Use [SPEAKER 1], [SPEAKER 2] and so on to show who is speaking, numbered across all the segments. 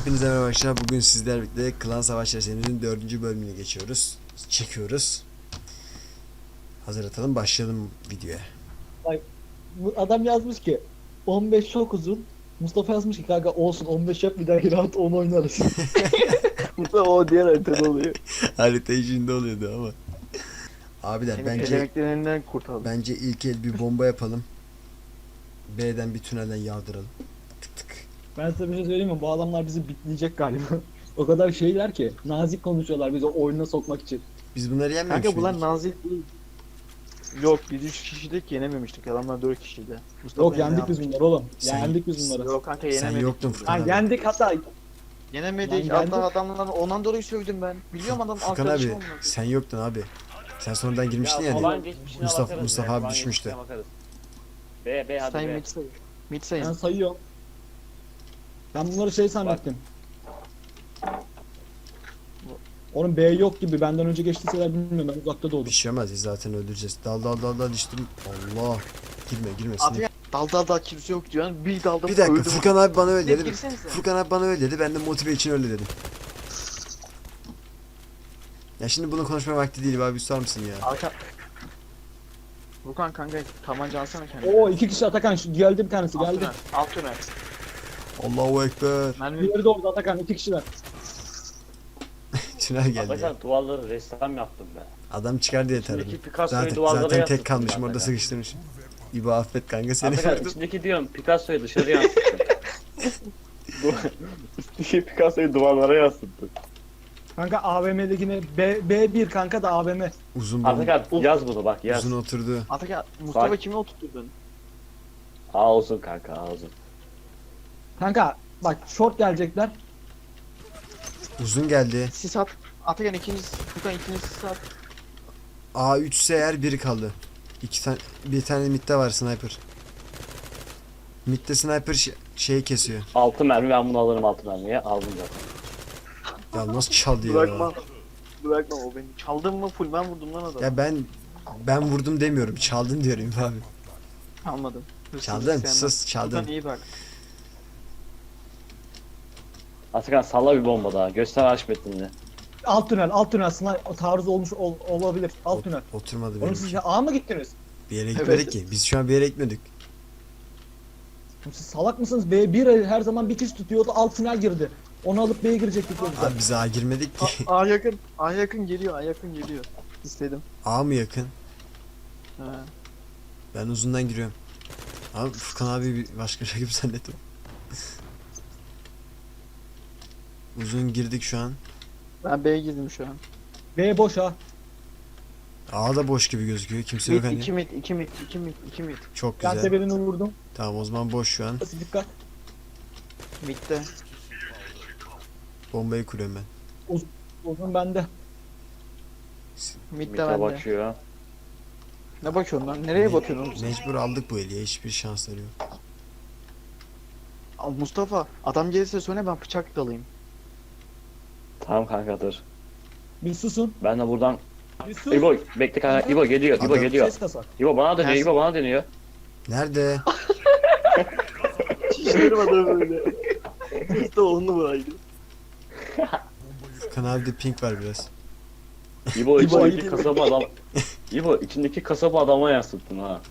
[SPEAKER 1] Hepinize merhaba arkadaşlar. Bugün sizlerle birlikte Klan Savaşları serinin 4. bölümünü çekiyoruz. Hazır atalım, başlayalım videoya.
[SPEAKER 2] Bak, bu adam yazmış ki 15 çok uzun. Mustafa yazmış ki kanka olsun 15 yap bir dahaki rahat 10 oynarız. Mustafa o diğer haritada oluyor.
[SPEAKER 1] Harita içinde oluyordu ama. Abiler
[SPEAKER 3] Seni
[SPEAKER 1] bence
[SPEAKER 3] pelemeklerin elinden kurtardım.
[SPEAKER 1] ilk el bir bomba yapalım. B'den bir tünelden yağdıralım. Tık tık.
[SPEAKER 2] Ben size bir şey söyleyeyim mi? Bu adamlar bizi bitleyecek galiba. O kadar şeyler ki nazik konuşuyorlar bizi oyuna sokmak için.
[SPEAKER 1] Biz bunları yenmemiş
[SPEAKER 3] Kanka bunlar
[SPEAKER 1] miydik?
[SPEAKER 3] nazik değil. Yok biz 3 kişilik yenememiştik. Adamlar 4 kişiydi. Mustafa
[SPEAKER 2] Yok
[SPEAKER 3] yine
[SPEAKER 2] yendik biz
[SPEAKER 3] yapmış.
[SPEAKER 2] bunları oğlum.
[SPEAKER 1] Sen-
[SPEAKER 2] Yendik biz bunları.
[SPEAKER 3] Yok kanka
[SPEAKER 1] Sen
[SPEAKER 3] yenemedik.
[SPEAKER 1] yoktun
[SPEAKER 2] Ha,
[SPEAKER 1] Furkan abi.
[SPEAKER 2] yendik hatta.
[SPEAKER 3] Yenemedik.
[SPEAKER 2] Lan
[SPEAKER 3] Hatta
[SPEAKER 2] yendik.
[SPEAKER 3] adamlar ondan dolayı sövdüm ben. Biliyorum adam
[SPEAKER 1] Furkan
[SPEAKER 3] arkadaşım
[SPEAKER 1] abi
[SPEAKER 3] olmadı.
[SPEAKER 1] sen yoktun abi. Sen sonradan girmiştin ya.
[SPEAKER 4] Falan
[SPEAKER 1] hani.
[SPEAKER 4] geçmişine
[SPEAKER 1] Mustafa-
[SPEAKER 4] bakarız
[SPEAKER 1] Mustafa
[SPEAKER 4] ya,
[SPEAKER 1] abi
[SPEAKER 4] falan
[SPEAKER 1] düşmüştü.
[SPEAKER 4] geçmişine bakarız. B hadi
[SPEAKER 3] Sayın
[SPEAKER 4] B.
[SPEAKER 3] mid sayın. Mid sayın.
[SPEAKER 2] Ben sayıyorum. Ben bunları şey zannettim. Onun B yok gibi benden önce geçtiyseler bilmiyorum ben uzakta doğdum.
[SPEAKER 1] Bir şey olmaz, biz zaten öldüreceğiz. Dal işte. Allah. Girme
[SPEAKER 3] Abi
[SPEAKER 1] sinir.
[SPEAKER 3] ya, dal kimse yok diyor. Bir dalda
[SPEAKER 1] Bir dakika,
[SPEAKER 3] öldüm.
[SPEAKER 1] Furkan abi bana öyle
[SPEAKER 3] Siz
[SPEAKER 1] dedi.
[SPEAKER 3] girsenize.
[SPEAKER 1] Furkan abi bana öyle dedi. Ben de motive için öyle dedim. Ya şimdi bunu konuşma vakti değil abi, susar mısın ya?
[SPEAKER 3] Arka... Vukan kanka tabanca alsana kendine.
[SPEAKER 2] Oo 2 kişi Atakan geldi bir tanesi
[SPEAKER 3] Alt
[SPEAKER 2] geldi.
[SPEAKER 3] tünel. Alt tünel.
[SPEAKER 1] Allahu ekber.
[SPEAKER 3] Mermi
[SPEAKER 2] Diğeri de orada Atakan 2 kişiler.
[SPEAKER 1] Tünel geldi ya.
[SPEAKER 4] Atakan duvarları ressam yaptım ben.
[SPEAKER 1] Adam çıkar diye taradım.
[SPEAKER 4] İçindeki Picasso'yu
[SPEAKER 1] Zaten,
[SPEAKER 4] duvarlara
[SPEAKER 1] zaten tek
[SPEAKER 4] yansıttım
[SPEAKER 1] kalmışım
[SPEAKER 4] ben
[SPEAKER 1] orada
[SPEAKER 4] Atakan.
[SPEAKER 1] sıkıştırmışım. İbo affet kanka, seni
[SPEAKER 4] Atakan
[SPEAKER 1] vurdum.
[SPEAKER 4] içindeki diyorum Picasso'yu dışarı yansıttım. İçindeki Picasso'yu duvarlara yansıttım.
[SPEAKER 2] Kanka AVM'dekine B1 kanka da AVM.
[SPEAKER 1] Uzun bomba.
[SPEAKER 4] Atakan yaz bunu bak yaz.
[SPEAKER 1] Uzun oturdu.
[SPEAKER 3] Ataka Mustafa
[SPEAKER 4] Bak.
[SPEAKER 3] kimi oturtturdun?
[SPEAKER 4] A olsun kanka A olsun.
[SPEAKER 2] Kanka bak short gelecekler.
[SPEAKER 1] Uzun geldi.
[SPEAKER 3] Sis at. Atakan ikinci Furkan ikinci sis at.
[SPEAKER 1] A3 ise eğer biri kaldı. Bir tane midde var sniper. Midde sniper şeyi kesiyor.
[SPEAKER 4] 6 mermi ben bunu alırım 6 mermiye aldım zaten.
[SPEAKER 1] Ya nasıl çaldı ya?
[SPEAKER 3] Bırakma. Bırakma o beni. Çaldın mı full ben vurdum lan adamı.
[SPEAKER 1] Ya ben vurdum demiyorum. Çaldın diyorum abi.
[SPEAKER 3] Almadım. Hırsızlık
[SPEAKER 1] Çaldın,
[SPEAKER 3] sevmem.
[SPEAKER 1] sus, çaldın.
[SPEAKER 3] Furkan iyi bak.
[SPEAKER 4] Atakan salla bir bomba daha göster Haşmettin'i.
[SPEAKER 2] Alt tünel taarruz olmuş olabilir. Alt tünel.
[SPEAKER 1] Oturmadı
[SPEAKER 2] Oğlum
[SPEAKER 1] benim.
[SPEAKER 2] siz ya A mı gittiniz?
[SPEAKER 1] Bir yere
[SPEAKER 3] Evet.
[SPEAKER 1] gitmedik ki. Biz şu an bir yere gitmedik.
[SPEAKER 2] Oğlum siz salak mısınız? B1 her zaman bir kişi tutuyordu alt tünel girdi. Onu alıp B'ye girecektik yoksa.
[SPEAKER 1] Abi biz A girmedik ki.
[SPEAKER 3] A yakın. A yakın geliyor. A yakın geliyor. İstedim.
[SPEAKER 1] A mı yakın?
[SPEAKER 3] Ha.
[SPEAKER 1] Ben uzundan giriyorum. Abi Furkan abi bir başka rakip zannettim. Uzun girdik şu an.
[SPEAKER 3] Ben B'ye girdim şu an.
[SPEAKER 2] B boş ha.
[SPEAKER 1] A da boş gibi gözüküyor. Kimse
[SPEAKER 3] Mid,
[SPEAKER 1] yok hani.
[SPEAKER 3] 2 mid, 2 mid, 2 mid, 2 mid.
[SPEAKER 1] Çok
[SPEAKER 2] Ben de
[SPEAKER 1] güzel.
[SPEAKER 2] birini vurdum.
[SPEAKER 1] Tamam o zaman boş şu an.
[SPEAKER 2] Dikkat.
[SPEAKER 3] Mid'de.
[SPEAKER 1] Bombayı kuruyorum ben.
[SPEAKER 2] Uzun bende.
[SPEAKER 3] Mid'de
[SPEAKER 4] Mite
[SPEAKER 3] bende.
[SPEAKER 4] bakıyor.
[SPEAKER 3] Ne bakıyorsun lan? Nereye bakıyorsun oğlum sen?
[SPEAKER 1] Mecbur aldık bu eli ya. Hiçbir şansları yok.
[SPEAKER 3] Al Mustafa, adam gelirse söyle ben bıçak dalayım.
[SPEAKER 4] Tamam kanka dur.
[SPEAKER 2] Bir susun.
[SPEAKER 4] Ben de buradan
[SPEAKER 2] Bir sus.
[SPEAKER 4] İbo bekle kanka İbo geliyor İbo
[SPEAKER 1] Adam-
[SPEAKER 4] geliyor.
[SPEAKER 2] Ses kasa.
[SPEAKER 4] İbo bana dönüyor
[SPEAKER 3] Ters.
[SPEAKER 4] İbo bana dönüyor.
[SPEAKER 1] Nerede?
[SPEAKER 3] Şişlerim adamı böyle. Mustafa onu bıraktı.
[SPEAKER 1] Furkan abi de pink var biraz.
[SPEAKER 4] İbo içindeki
[SPEAKER 3] ayıp.
[SPEAKER 4] kasaba adam. İbo içindeki kasaba adama yansıttın ha.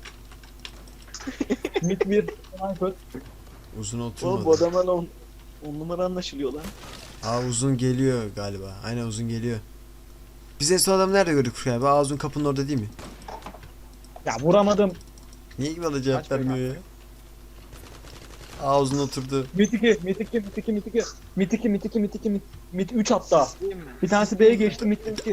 [SPEAKER 2] Mid 1. Sniper.
[SPEAKER 1] Uzun
[SPEAKER 3] Oğlum bu
[SPEAKER 1] oturmadı.
[SPEAKER 3] adamlarla 10 numara anlaşılıyor lan.
[SPEAKER 1] Aa uzun geliyor galiba. Aynen uzun geliyor. Biz en son adamı nerede gördük Furkan abi? Aa uzun kapının orada değil mi?
[SPEAKER 2] Ya vuramadım.
[SPEAKER 1] Niye ki bana cevap
[SPEAKER 3] Kaç bey
[SPEAKER 1] vermiyor ya? Aa uzun oturdu.
[SPEAKER 2] Mid 2. Mid 2. Mid 2. Mid 2. Mid 2. Mid 2. Mid 2. Mid 3 hatta.
[SPEAKER 3] Değil mi?
[SPEAKER 2] Bir tanesi B'ye geçti. Mid 2.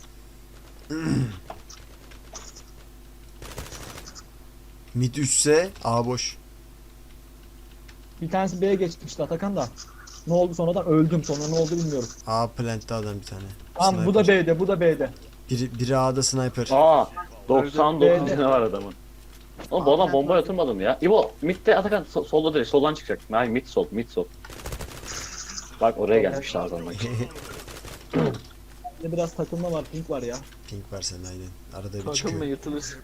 [SPEAKER 1] Mid 3 ise A boş.
[SPEAKER 2] Bir tanesi B'ye geçti işte Atakan da. Ne oldu sonradan öldüm sonra ne oldu bilmiyorum.
[SPEAKER 1] A plant'te adam bir tane.
[SPEAKER 2] Tamam bu da
[SPEAKER 1] Sniper.
[SPEAKER 2] B'de bu da B'de.
[SPEAKER 1] Biri A'da sniper.
[SPEAKER 4] Aa 99
[SPEAKER 2] Öldü.
[SPEAKER 4] tane var adamın. Oğlum bu adam bombaya oturmadı mı ya? İbo midde Atakan solda değil soldan çıkacak. Hayır mid sol mid sol. Bak oraya gelmişler adamlar.
[SPEAKER 2] Bir de biraz takılma var pink var ya.
[SPEAKER 1] Pink var senin aynen. Arada bir
[SPEAKER 3] Takılma
[SPEAKER 1] çıkıyor.
[SPEAKER 3] yırtılırsın.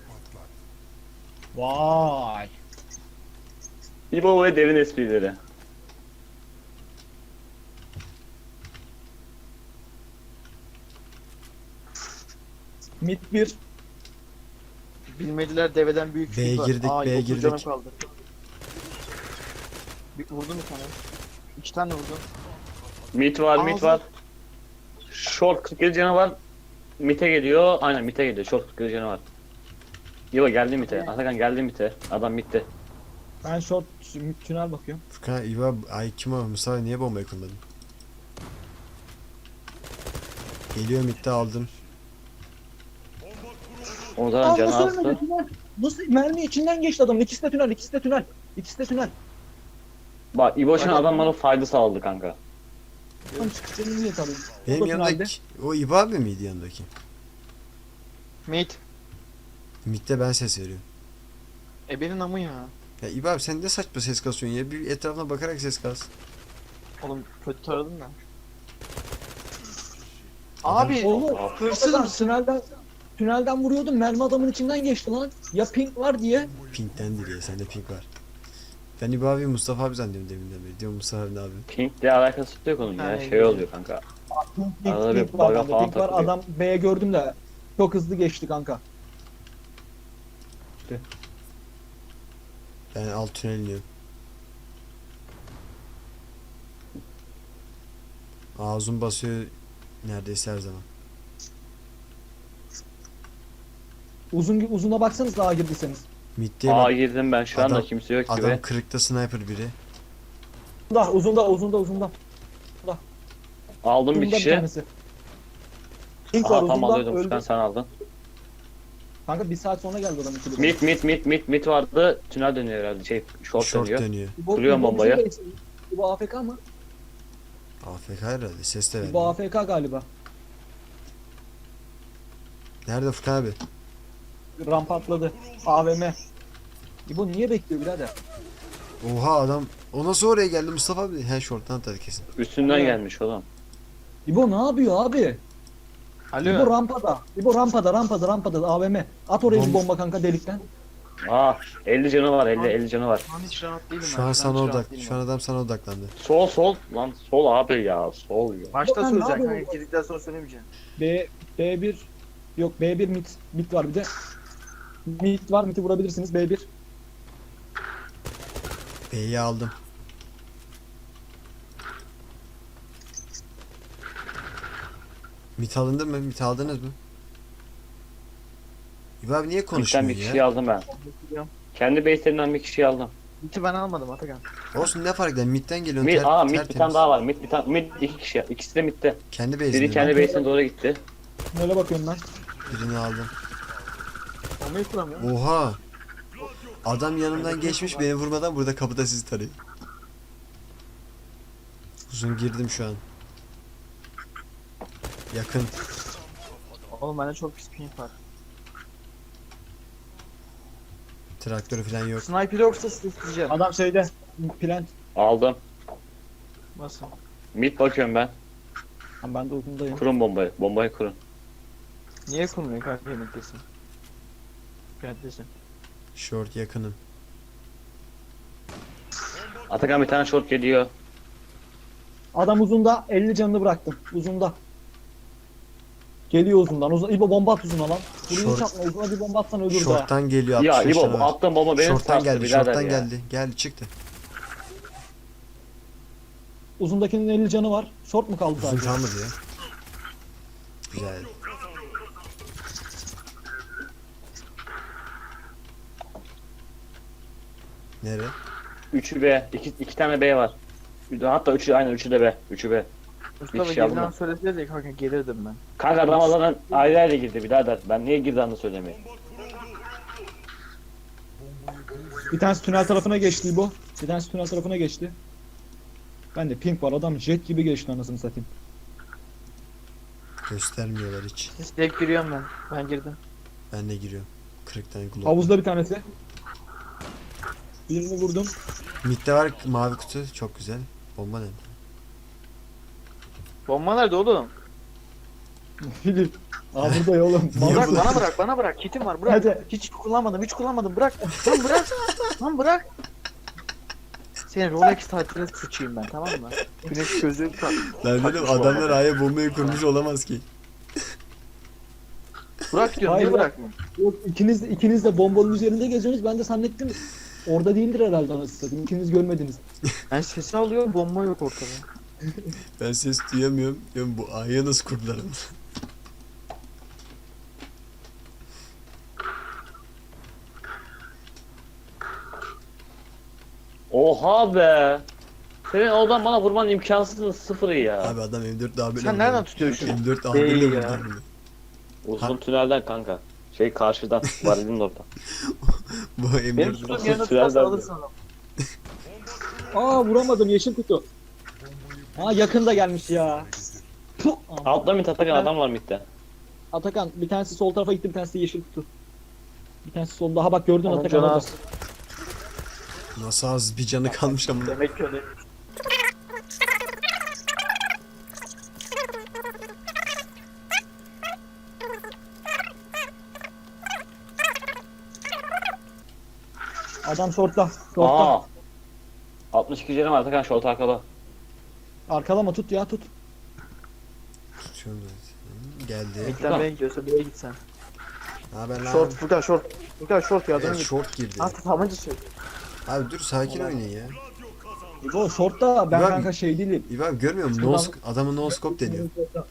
[SPEAKER 2] Vay.
[SPEAKER 4] İbo ve derin esprileri.
[SPEAKER 2] Mid 1.
[SPEAKER 3] Bilmediler deveden büyük
[SPEAKER 1] B'ye
[SPEAKER 3] fil var.
[SPEAKER 1] girdik,
[SPEAKER 3] Aa,
[SPEAKER 1] B'ye
[SPEAKER 3] dokuz
[SPEAKER 1] girdik.
[SPEAKER 3] canım kaldı. Vurdum bir tane. 2 tane vurdum.
[SPEAKER 4] Mid var, mid
[SPEAKER 3] Ağzı-
[SPEAKER 4] var. Short 47 canı var. Mid'e geliyor. Aynen mid'e geliyor. Short 47 canı var. İbo geldi mid'e. Atakan geldi mid'e. Adam mid'de.
[SPEAKER 2] Ben short tünel bakıyorum.
[SPEAKER 1] Furkan İva ay kim o Mustafa niye bombayı kullandın? Geliyor midde aldım.
[SPEAKER 4] O zaman canı
[SPEAKER 2] nasıl
[SPEAKER 4] azdı.
[SPEAKER 2] ölmedi tünel? Nasıl mermi içinden geçti adam. İkisi de tünel, ikisi de tünel. İkisi de tünel.
[SPEAKER 4] Bak İbo şu an adam bana fayda sağladı kanka.
[SPEAKER 2] Tam çıkışını niye tabii.
[SPEAKER 1] Benim
[SPEAKER 2] O da tünelde.
[SPEAKER 1] yanındaki o İva abi miydi yanındaki?
[SPEAKER 3] Mid.
[SPEAKER 1] Midde ben ses veriyorum.
[SPEAKER 3] Benim amı ya.
[SPEAKER 1] Ya İva abi sen ne saçma ses kasıyorsun ya? Bir etrafına bakarak ses kas.
[SPEAKER 3] Oğlum kötü taradım da.
[SPEAKER 1] Adam-
[SPEAKER 3] Abi
[SPEAKER 2] Oğlum
[SPEAKER 3] hırsızım.
[SPEAKER 2] tünelden vuruyordum. Mermi adamın içinden geçti lan. Ya pink var diye.
[SPEAKER 1] Pink'ten değil ya sende pink var. Ben İva abi Mustafa abi zannediyorum deminden beri. Diyorum Mustafa abi ne abi?
[SPEAKER 4] Pink'le alakası yok onun ya.
[SPEAKER 3] Aynen.
[SPEAKER 4] Şey oluyor kanka.
[SPEAKER 2] Pink,
[SPEAKER 4] Arada bir
[SPEAKER 2] pink var
[SPEAKER 4] baga
[SPEAKER 2] bende.
[SPEAKER 4] falan
[SPEAKER 2] Pink var.
[SPEAKER 4] takılıyor.
[SPEAKER 2] Adam B'ye gördüm de çok hızlı geçti kanka.
[SPEAKER 1] Ben alt tünel iniyorum. Ağzım basıyor neredeyse her zaman.
[SPEAKER 2] Uzuna baksanız daha girdiyseniz.
[SPEAKER 1] Mid'de
[SPEAKER 4] Aa
[SPEAKER 1] bak.
[SPEAKER 4] girdim ben şu anda
[SPEAKER 1] Adam-
[SPEAKER 4] kimse yok gibi.
[SPEAKER 1] Adam kırıkta sniper biri.
[SPEAKER 2] Uzunda.
[SPEAKER 4] Aldım bir
[SPEAKER 2] Uzunda bir
[SPEAKER 4] kişi.
[SPEAKER 2] tanesi. Pink var
[SPEAKER 4] Aha tam
[SPEAKER 2] uzunda
[SPEAKER 4] alıyordum
[SPEAKER 2] öldü.
[SPEAKER 4] Furkan sen aldın.
[SPEAKER 2] Kanka bir saat sonra geldi adam ikili.
[SPEAKER 4] Mid vardı. Tünel dönüyor herhalde. Şey short,
[SPEAKER 1] Short
[SPEAKER 4] dönüyor.
[SPEAKER 1] dönüyor.
[SPEAKER 4] Kuruyorum bombayı.
[SPEAKER 2] Bu AFK mı?
[SPEAKER 1] AFK herhalde ses de
[SPEAKER 2] Bu
[SPEAKER 1] vermiyor.
[SPEAKER 2] AFK galiba.
[SPEAKER 1] Nerede Furkan abi?
[SPEAKER 2] Rampa atladı. AVM. Bu niye bekliyor birader?
[SPEAKER 1] Oha adam. O nasıl oraya geldi Mustafa abi? He short'tan atadı kesin.
[SPEAKER 4] Üstünden
[SPEAKER 2] Evet.
[SPEAKER 4] gelmiş oğlum.
[SPEAKER 2] İbo ne yapıyor abi? İbo
[SPEAKER 3] Alo.
[SPEAKER 2] rampada. İbo rampada AVM. At oraya bir bomba kanka delikten.
[SPEAKER 4] Aa 50 canı var 50 canı var.
[SPEAKER 3] Şu an hiç rahat değilim
[SPEAKER 1] Şu
[SPEAKER 3] ben.
[SPEAKER 1] an
[SPEAKER 3] hiç
[SPEAKER 1] sana
[SPEAKER 3] rahat
[SPEAKER 1] odak.
[SPEAKER 3] değilim
[SPEAKER 1] Şu an adam sana odaklandı.
[SPEAKER 4] Sol lan sol abi ya sol ya.
[SPEAKER 3] Başta
[SPEAKER 2] Ben ne
[SPEAKER 3] söyleyeceksin
[SPEAKER 2] yapıyorum?
[SPEAKER 3] kanka. Girdikten sonra söylemeyeceksin.
[SPEAKER 2] B1 yok B1 mid var bir de. Mid var mid'i vurabilirsiniz B1.
[SPEAKER 1] B'yi aldım. Mit alındı mı? Mit aldınız mı? İbo abi niye
[SPEAKER 4] Mid'den
[SPEAKER 1] konuşmuyor
[SPEAKER 4] bir kişiyi
[SPEAKER 1] ya?
[SPEAKER 4] aldım ben. Kendi base'lerinden bir kişiyi aldım.
[SPEAKER 3] Mid'i ben almadım Atakan.
[SPEAKER 1] Olsun ne fark eder? Mid'den geliyorsun.
[SPEAKER 4] Mid bir
[SPEAKER 1] tertemiz.
[SPEAKER 4] tane daha var. Mid iki kişi. İkisi de mid'de.
[SPEAKER 1] Kendi
[SPEAKER 4] Biri
[SPEAKER 1] base'inde.
[SPEAKER 4] kendi base'ine doğru gitti.
[SPEAKER 2] Öyle bakıyorum ben.
[SPEAKER 1] Birini aldım.
[SPEAKER 3] Bombayı kuramıyor.
[SPEAKER 1] Oha! Adam yanımdan geçmiş beni vurmadan burada kapıda sizi tarıyor. Uzun girdim şu an. Yakın.
[SPEAKER 3] Oğlum bende çok pis ping var.
[SPEAKER 1] Traktörü falan yok.
[SPEAKER 3] Sniper yoksa isteyeceğim.
[SPEAKER 2] Adam şeyde plant.
[SPEAKER 4] Aldım.
[SPEAKER 3] Nasıl?
[SPEAKER 4] Mid bakıyorum ben.
[SPEAKER 2] Ben de uzundayım.
[SPEAKER 4] Kurun bombayı. Bombayı kurun.
[SPEAKER 3] Niye kurmuyor kanka yemektesin? Yemektesin.
[SPEAKER 1] Short yakınım.
[SPEAKER 4] Atakan bir tane short geliyor.
[SPEAKER 2] Adam uzunda 50 canını bıraktım. Uzunda. Geliyor uzundan. İbo bomba at uzuna lan. Burayı
[SPEAKER 1] Short-
[SPEAKER 2] hiç atma. Uzuna bir bomba atsan ölür daha.
[SPEAKER 1] Short'tan geliyor
[SPEAKER 4] Ya
[SPEAKER 1] 65
[SPEAKER 4] İbo
[SPEAKER 1] tane var.
[SPEAKER 4] attığın bomba beni
[SPEAKER 1] Short'tan
[SPEAKER 4] sarstı
[SPEAKER 1] geldi,
[SPEAKER 4] birader
[SPEAKER 1] short'tan
[SPEAKER 4] ya.
[SPEAKER 1] geldi. Geldi çıktı.
[SPEAKER 2] Uzundakinin 50 canı var. Short mu kaldı
[SPEAKER 1] Uzun
[SPEAKER 2] sadece?
[SPEAKER 1] kalmadı ya. Güzel. Nere?
[SPEAKER 4] 3'ü B. 2 tane B var. Hatta 3'ü aynen 3'ü de B. 3'ü B.
[SPEAKER 3] Mustafa
[SPEAKER 4] kişi aldım
[SPEAKER 3] geriden
[SPEAKER 4] ben.
[SPEAKER 3] söyleseniz ya kanka gelirdim ben.
[SPEAKER 4] Kanka Ramazan'ın ayrı ayrı girdi birader. Ben niye girdiğini söylemeyeyim.
[SPEAKER 2] Bir tanesi tünel tarafına geçti İbo. Bir tanesi tünel tarafına geçti. Ben de pink var. Adam jet gibi geçti anasını satayım.
[SPEAKER 1] Göstermiyorlar hiç.
[SPEAKER 3] Direkt giriyorum ben. Ben girdim.
[SPEAKER 1] Ben de giriyorum. 40 tane glock.
[SPEAKER 2] Havuzda bir tanesi. Birini vurdum.
[SPEAKER 1] Mid'de var mavi kutu. Çok güzel. Bomba nerede?
[SPEAKER 3] Bomba nerede oğlum?
[SPEAKER 2] Filip. Aa burada ya oğlum.
[SPEAKER 1] Niye
[SPEAKER 3] Bırak
[SPEAKER 1] bu-
[SPEAKER 3] bana bırak. Kitim var bırak.
[SPEAKER 2] Hadi.
[SPEAKER 3] Hiç kullanmadım bırak. Lan bırak. Lan bırak. Senin Rolex tatiline sıçayım ben tamam mı? Güneş gözlüğü tak.
[SPEAKER 1] Lan dedim
[SPEAKER 3] Takmış
[SPEAKER 1] adamlar
[SPEAKER 3] bu
[SPEAKER 1] aya bombayı kurmuş olamaz ki.
[SPEAKER 3] Bırak diyorum
[SPEAKER 2] Hayır,
[SPEAKER 3] niye bırakma?
[SPEAKER 2] Yok, ikiniz de bombanın üzerinde geziyorsunuz. Ben de zannettim orada değildir herhalde anasını satayım. İkiniz görmediniz.
[SPEAKER 3] Ben sesi alıyorum bomba yok ortada.
[SPEAKER 1] Ben ses duyamıyorum. Diyorum bu A'ya nasıl kurdular onu?
[SPEAKER 4] Oha be. Senin oradan bana vurman imkansız sıfırı ya.
[SPEAKER 1] Abi adam M4 daha böyle
[SPEAKER 3] Sen nereden tutuyorsun şunu?
[SPEAKER 1] M4 daha
[SPEAKER 3] Değil
[SPEAKER 1] böyle
[SPEAKER 3] ya.
[SPEAKER 1] vurdu bunu.
[SPEAKER 4] Uzun tünelden kanka. Şey karşıdan. Varilin orada.
[SPEAKER 1] Bu
[SPEAKER 3] Benim
[SPEAKER 1] M4
[SPEAKER 3] tuttuğum
[SPEAKER 4] Nasıl
[SPEAKER 3] yerine
[SPEAKER 4] tünel
[SPEAKER 3] tutarsa
[SPEAKER 4] verdi?
[SPEAKER 3] alırsın adam.
[SPEAKER 2] Aa, vuramadım, yeşil kutu. Aa, yakında gelmiş ya. Puh!
[SPEAKER 4] Altta mid Atakan adam var midde.
[SPEAKER 2] Atakan, bir tanesi sol tarafa gitti, bir tanesi de yeşil kutu. Bir tanesi sol. Daha bak, gördün
[SPEAKER 3] Onun
[SPEAKER 2] Atakan
[SPEAKER 3] canı
[SPEAKER 2] orada.
[SPEAKER 3] az.
[SPEAKER 1] nasıl az bir canı kalmış ama.
[SPEAKER 3] Demek ki öyle.
[SPEAKER 2] Adam shortta. Shortta.
[SPEAKER 4] Aa. 62 canım var Atakan short arkada.
[SPEAKER 2] Arkalama, tut ya, tut.
[SPEAKER 1] Tutuyorum zaten. Geldi.
[SPEAKER 3] Midden B'ye gidiyorsa B'ye git sen.
[SPEAKER 1] Ne haber lan?
[SPEAKER 3] Short Furkan short. Furkan short yardım
[SPEAKER 1] Evet,
[SPEAKER 3] git.
[SPEAKER 1] short girdi.
[SPEAKER 3] Ha tabanca sür.
[SPEAKER 1] Abi dur sakin oynayın ya.
[SPEAKER 2] İbo shortta, ben
[SPEAKER 1] İbo abi-
[SPEAKER 2] kanka şey değilim.
[SPEAKER 1] İyi abi görmüyor musun?
[SPEAKER 2] Şuradan-
[SPEAKER 1] Adamın no scope deniyor.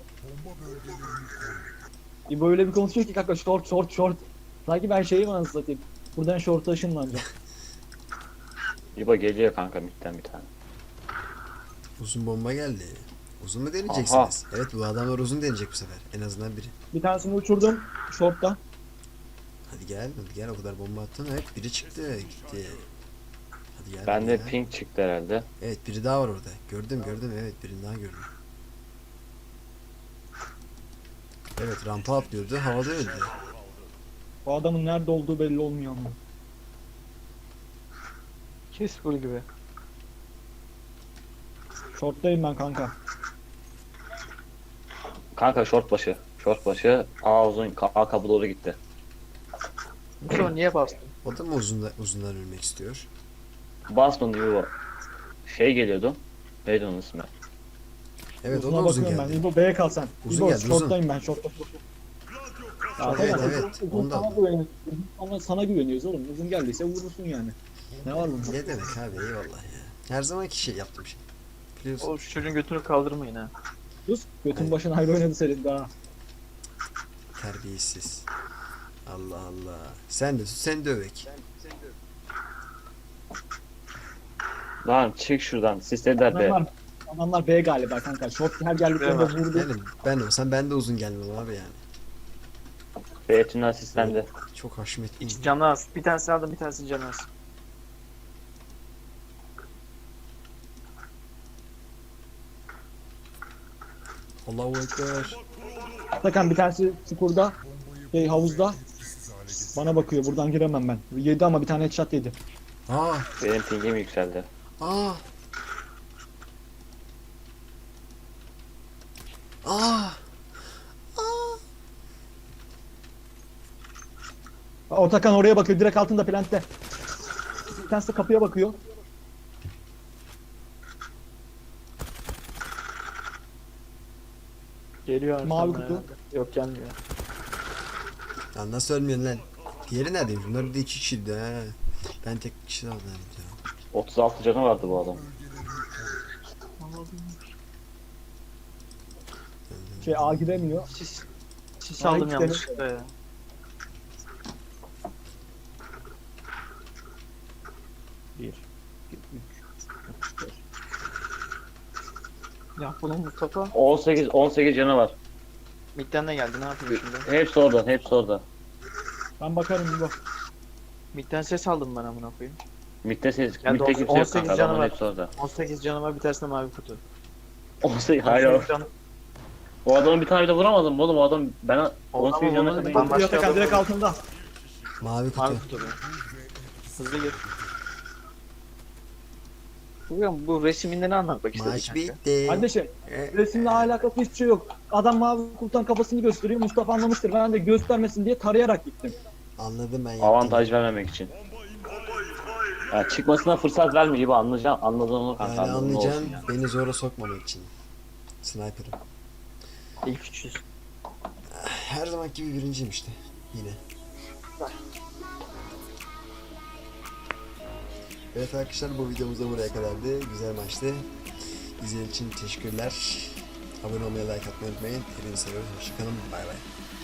[SPEAKER 2] İbo öyle bir konuşuyor ki kanka, short. Sanki ben şeyim anasını satayım. Buradan short'a ışınlanacağım.
[SPEAKER 4] İbo geliyor kanka midden bir tane.
[SPEAKER 1] Uzun bomba geldi. Uzun mu deneyeceksiniz? Evet bu adamlar uzun deneyecek bu sefer. En azından biri.
[SPEAKER 2] Bir tanesini uçurdum short'ta.
[SPEAKER 1] Hadi gel o kadar bomba attın. Evet biri çıktı gitti. Hadi gel.
[SPEAKER 4] Bende
[SPEAKER 1] ya.
[SPEAKER 4] ping çıktı herhalde.
[SPEAKER 1] Evet biri daha var orada. Gördüm evet birini daha gördüm. Evet rampa atlıyordu havada öldü.
[SPEAKER 2] O adamın nerede olduğu belli olmuyor ama.
[SPEAKER 3] Kes full gibi.
[SPEAKER 2] Short'tayım ben kanka.
[SPEAKER 4] Kanka short başı. Short başı. A uzun. A kapı doğru gitti.
[SPEAKER 3] Mustafa niye bastın?
[SPEAKER 1] O da mı uzundan ölmek istiyor?
[SPEAKER 4] Basmadı İbo. Şey geliyordu. Neydi onun ismi?
[SPEAKER 1] Evet o
[SPEAKER 2] Uzuna
[SPEAKER 1] da uzun
[SPEAKER 2] bakıyorum
[SPEAKER 1] geldi.
[SPEAKER 2] ben. İbo B'ye kal sen.
[SPEAKER 1] Uzun
[SPEAKER 2] İbo
[SPEAKER 1] geldi, uzun.
[SPEAKER 2] short'tayım ben, short'ta.
[SPEAKER 1] Evet,
[SPEAKER 2] Atakan,
[SPEAKER 1] evet,
[SPEAKER 2] uzun
[SPEAKER 1] onu da
[SPEAKER 2] sana
[SPEAKER 1] aldım.
[SPEAKER 2] güveniyoruz. Ama sana güveniyoruz oğlum. Uzun geldiyse vurursun yani. Ne var bunda?
[SPEAKER 1] Ne demek abi eyvallah ya. Her zamanki şey yaptım şey. Biliyorsun.
[SPEAKER 3] Oğlum şu çocuğun götünü kaldırmayın ha.
[SPEAKER 2] Sus. Götün başına ayrı oynadı senin daha.
[SPEAKER 1] Terbiyesiz. Allah Allah. Sen de tut sen de övek.
[SPEAKER 4] Lan çık şuradan. Sislediler be.
[SPEAKER 2] Adamlar B galiba kanka. Short her geldiklerinde
[SPEAKER 3] B var.
[SPEAKER 2] vurdu.
[SPEAKER 1] Yani ben olsam ben de uzun gelmem abi yani.
[SPEAKER 4] B tünel sislendi.
[SPEAKER 1] Çok haşmetli.
[SPEAKER 3] Canı az. Bir tanesi aldım bir tanesi canı az.
[SPEAKER 1] Allahu Ekber.
[SPEAKER 2] Atakan bir tanesi çukurda. Havuzda. Bana bakıyor. Buradan giremem ben. Yedi ama bir tane headshot yedi.
[SPEAKER 1] Aa,
[SPEAKER 4] Benim pingim yükseldi.
[SPEAKER 1] aa. Aa.
[SPEAKER 2] Atakan oraya bakıyor. Direkt altında plantte. Bir tanesi de kapıya bakıyor.
[SPEAKER 3] Geliyor arkamdan
[SPEAKER 2] Mavi kutu.
[SPEAKER 3] herhalde. Yok gelmiyor.
[SPEAKER 1] Ya nasıl ölmüyorsun lan? Diğeri neredeymiş? Bunlar bir de iki kişiydi ha. Ben tek kişi aldım ya.
[SPEAKER 4] 36 canı vardı bu adam.
[SPEAKER 2] A giremiyor.
[SPEAKER 3] Sis
[SPEAKER 2] Ay,
[SPEAKER 3] aldım
[SPEAKER 2] gidelim.
[SPEAKER 3] yanlışlıkla ya.
[SPEAKER 2] Bir.
[SPEAKER 3] Ya bunun Mustafa
[SPEAKER 4] 18 canı var.
[SPEAKER 3] midden de geldi ne yapayım şimdi?
[SPEAKER 4] Hepsi orada, hepsi orada.
[SPEAKER 2] Ben bakarım bu.
[SPEAKER 3] Midden ses aldım ben amına koyayım.
[SPEAKER 4] Mid'de ses,
[SPEAKER 3] Yani
[SPEAKER 4] mid'de kimse yok
[SPEAKER 3] 18
[SPEAKER 4] kanka.
[SPEAKER 3] canı
[SPEAKER 4] Adamın
[SPEAKER 3] var.
[SPEAKER 4] hepsi orada.
[SPEAKER 3] 18 canı var bir tanesinde mavi kutu.
[SPEAKER 4] 18, hayır.
[SPEAKER 3] Canı.
[SPEAKER 4] O adamı bir tane bile vuramadım oğlum. O adam ben 18 canı
[SPEAKER 3] vurmadı,
[SPEAKER 4] kadar.
[SPEAKER 3] başka
[SPEAKER 2] Atakan
[SPEAKER 3] adam
[SPEAKER 2] direkt
[SPEAKER 3] var.
[SPEAKER 2] altında.
[SPEAKER 1] Mavi kutu.
[SPEAKER 3] Mavi kutu bu. Hızlı gir. Bu resiminde ne anlatmak istedi
[SPEAKER 1] Maç
[SPEAKER 3] kanka?
[SPEAKER 1] bitti.
[SPEAKER 2] Kardeşim
[SPEAKER 1] E,
[SPEAKER 2] resimle alakası hiçbir şey yok. Adam mavi kurtan kafasını gösteriyor. Mustafa anlamıştır. Ben de göstermesin diye tarayarak gittim.
[SPEAKER 1] Anladım ben yaptım.
[SPEAKER 4] Avantaj vermemek için. Ya çıkmasına fırsat verme gibi anlayacağım. Anladın onu kanka.
[SPEAKER 1] Yani
[SPEAKER 4] anladın, ne
[SPEAKER 1] anlayacağım
[SPEAKER 4] olsun ya.
[SPEAKER 1] beni zora sokmamak için. Sniper'ım.
[SPEAKER 3] İlk 300.
[SPEAKER 1] Her zaman gibi birinciyim işte. Yine. Evet arkadaşlar, bu videomuz da buraya kadardı. Güzel maçtı. İzlediğiniz için teşekkürler. Abone olmayı, like atmayı unutmayın. Hepinizi seviyoruz. Hoşçakalın. Bay bay.